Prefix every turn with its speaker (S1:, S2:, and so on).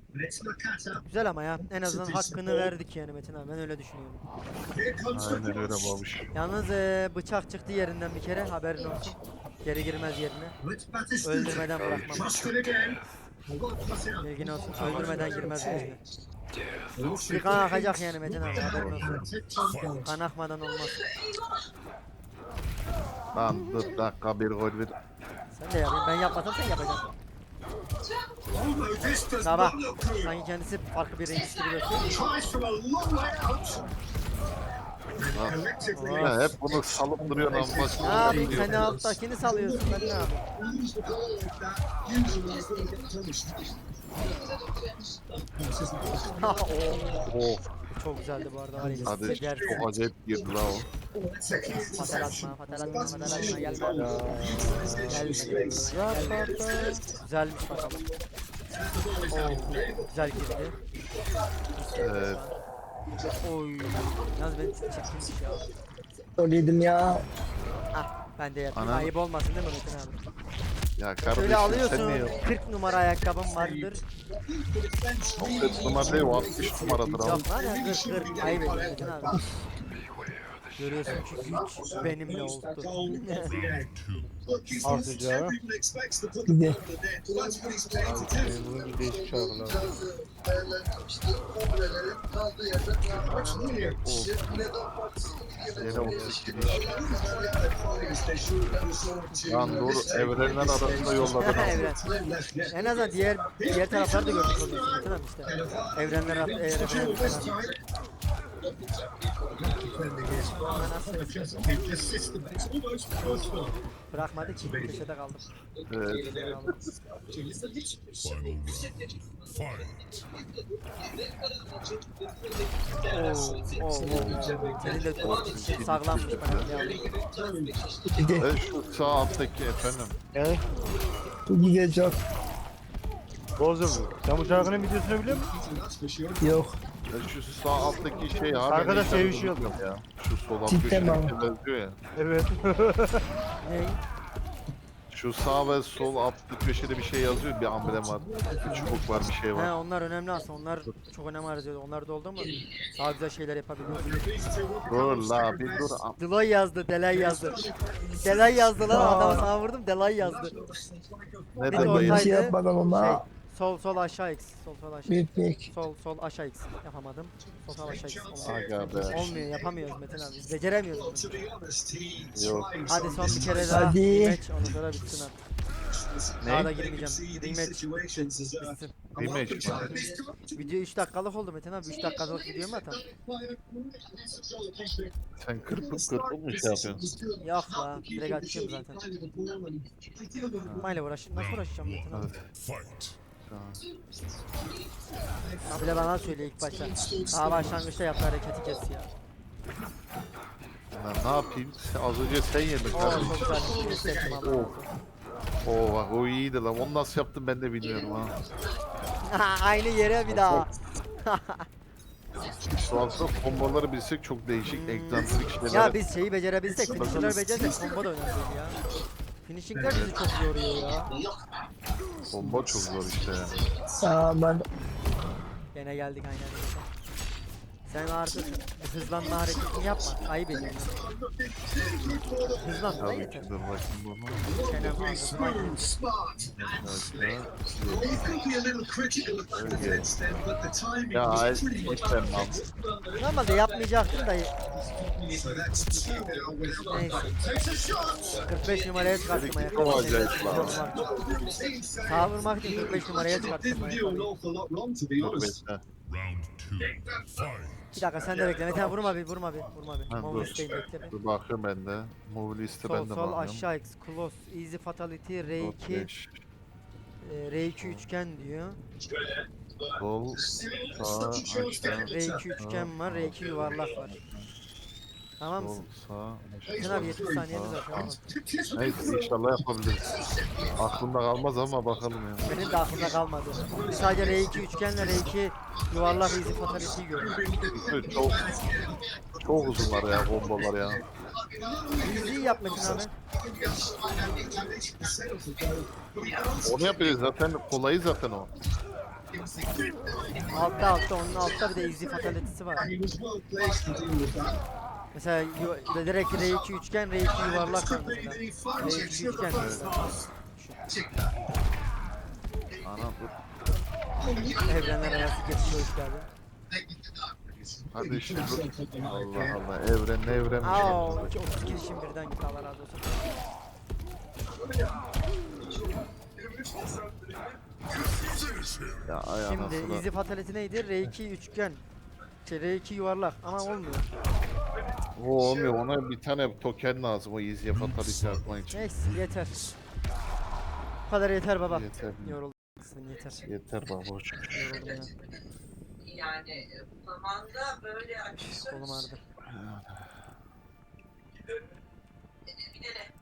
S1: Güzel ama ya. En azından hakkını verdik yani Metin abi. Ben öyle düşünüyorum.
S2: Aynen öyle babuş.
S1: Yalnız bıçak çıktı yerinden bir kere. Haberin olsun. Geri girmez yerine. Öldürmeden bırakmam. Bilgin olsun. Öldürmeden girmez yerine. Bir kan akacak yani Metin abi. Haberin olsun. Kan akmadan olmaz.
S2: Lan 4 dakika bir gol bir.
S1: Sen de yapayım. Ben yapmasam sen yapacaksın. Sabah. Sanki kendisi farklı bir reis gibi gösteriyor.
S2: Ya hep bunu salıp duruyor lan
S1: Ne
S2: başka
S1: yapayım?
S2: bir
S1: Sen
S2: şey
S1: de
S2: yok.
S1: alttakini salıyorsun. Ben ne yapayım?
S2: Oh,
S1: Çok güzeldi bu arada. Var ya.
S2: hadi
S1: Yersin.
S2: çok acayip girdi la o.
S1: Fatal atma, fatal atma, fatal atma. Gelme. Gelme. Güzelmiş bakalım. Güzel girdi.
S2: Evet.
S1: Oy. Yalnız ben çekilmiş ya.
S3: Gol yedim ya.
S1: Ah ben de yapayım.
S2: Anam.
S1: Ayıp olmasın değil mi Metin abi?
S2: Ya
S1: Şöyle
S2: kardeşim sen
S1: alıyorsun.
S2: ne yapıyorsun?
S1: 40 numara ayakkabım vardır.
S2: O 40 numara değil o 60 numaradır abi.
S1: Yok lan ya 40. Ayıp ediyorsun Metin abi. Görüyorsun ki güç benimle oldu.
S4: Artıca.
S3: Gidi.
S4: Bunun bir değişik şarkılar.
S2: Yine 32 iş. Lan dur evrenler arasında yolladı.
S1: Evren. En azından diğer tarafları da görmüş oluyorsun Metin abi işte. Evrenler bırakmadı ki köşede kaldım.
S2: Evet.
S1: Köşede kaldım. Senin de sağlammış bana ya.
S3: Gidi.
S2: Ve şu sağ alttaki efendim.
S4: Yani
S3: Gidi çok.
S4: Bozuldu. Sen bu şarkının videosunu biliyor musun?
S3: Yok.
S2: Ve şu sağ alttaki şey abi.
S4: Arkadaş
S2: neyse,
S4: sevişiyor.
S2: unuttum ya. Şu sol alt
S3: Cidden mi
S2: köşedeki yazıyor ya.
S4: Evet.
S1: Ney?
S2: Şu sağ ve sol alt köşede bir şey yazıyor. Bir amblem var. Bir çubuk var bir şey
S1: He
S2: var.
S1: onlar önemli aslında. Onlar çok önem arz ediyor. Onlar da oldu mu daha güzel şeyler yapabiliyoruz.
S2: Dur la bir dur.
S1: Delay yazdı, Delay yazdı. Delay yazdı lan adamı sana vurdum, Delay yazdı.
S2: Ne
S1: Bir de
S3: Ben
S2: demek
S3: bir
S2: ya?
S1: ortaydı.
S3: şey yapmadan
S1: Şey,
S3: ona.
S1: sol aşağı x, sol aşağı.
S3: Bir pek.
S1: Sol aşağı x yapamadım. Sol aşağı x.
S2: Aga be.
S1: Olmuyor, yapamıyoruz Metin abi. Biz beceremiyoruz.
S2: Yok.
S1: Hadi son bir kere daha.
S3: Hadi.
S1: Rematch, ondan sonra bitsin artık. Daha da girmeyeceğim. Rematch bitsin.
S2: Rematch mi?
S1: Video 3 dakikalık oldu Metin abi. 3 dakikalık video mu atan?
S2: Sen kırpıp mu şey yapıyorsun?
S1: Yok la, direkt açıyorum zaten. Mayla nasıl uğraşacağım Metin abi?
S2: Evet.
S1: Abi de bana söyle ilk başta. Daha başlangıçta yaptığı hareketi kes ya.
S2: Ben ne yapayım? Az önce sen yedin
S1: Oo
S2: kardeşim.
S1: çok güzel bir şey hissettim Allah razı olsun.
S2: Oo bak o iyiydi lan. Onu nasıl yaptım ben de bilmiyorum ha.
S1: Aynı yere bir daha.
S2: Şu anda komboları bilsek çok değişik, egzantrik şeyler.
S1: Ya biz şeyi becerebilsek, finishing'ler becerirsek combo da önemli değil ya. Finishing'ler bizi çok yoruyor ya.
S2: Kombo çok zor işte ya.
S3: Aman.
S1: Gene geldik aynen. Sen artık hızlanma hareketini yapma. Ayıp ediyorsun. Hızlan da
S2: Tabii
S1: yeter.
S2: ki dur bakayım bunu.
S1: Çenem fazla.
S2: Ya hiç ben lan.
S1: Normalde yapmayacaktım da neyse. 45 numaraya çıkarttım
S2: Çok
S1: ayakkabı.
S2: acayip lan.
S1: Sağa vurmak için 45 numaraya çıkarttım ayakkabıyı.
S2: Dur bekle.
S1: Bir dakika sen de bekle. Metin vurma bir.
S2: Ha,
S1: Move
S2: dur.
S1: listeyim bekle bir.
S2: Dur bakıyorum ben de. Move liste ben de
S1: Sol
S2: bakıyorum.
S1: aşağı x close easy fatality R2
S2: 5,
S1: R2 üçgen diyor.
S2: sol, sağ, aşağı,
S1: R2 üçgen var, R2 yuvarlak var. Tamam
S2: sol,
S1: mısın?
S2: sağ,
S1: Metin abi 70 saniyemiz var tamam mı?
S2: Neyse inşallah yapabiliriz. Aklımda kalmaz ama bakalım ya.
S1: Benim de aklımda kalmadı. Sadece R2 üçgenle R2 yuvarlak easy fatality'yi gördüm.
S2: Çok çok uzunlar ya kombolar ya.
S1: Easy yap Metin abi.
S2: Onu yapıyoruz zaten kolayı zaten o.
S1: Altta onun altta bir de easy fatality'si var. Mesela direkt R2 üçgen, R2 yuvarlak var mesela. R2 üçgen mesela.
S2: Anam dur.
S1: Evrenler arası geçiş hoş geldin.
S2: Hadi işte dur. Allah Allah evren
S1: Aa, 32 kişinin birden gitti, Allah razı olsun.
S2: ya ay
S1: Şimdi
S2: anasını.
S1: easy fatality neydi? R2 üçgen. R2 yuvarlak ama olmuyor.
S2: O olmuyor, ona bir tane token lazım o easy'ye fatality atmak için.
S1: Neyse yeter. Bu kadar yeter baba.
S2: Yeter.
S1: Yoruldum. Yeter.
S2: Yeter baba.
S1: Yoruldum ya.
S5: Yani zamanda böyle açısı
S1: Kolum ağrıdı.
S5: bir de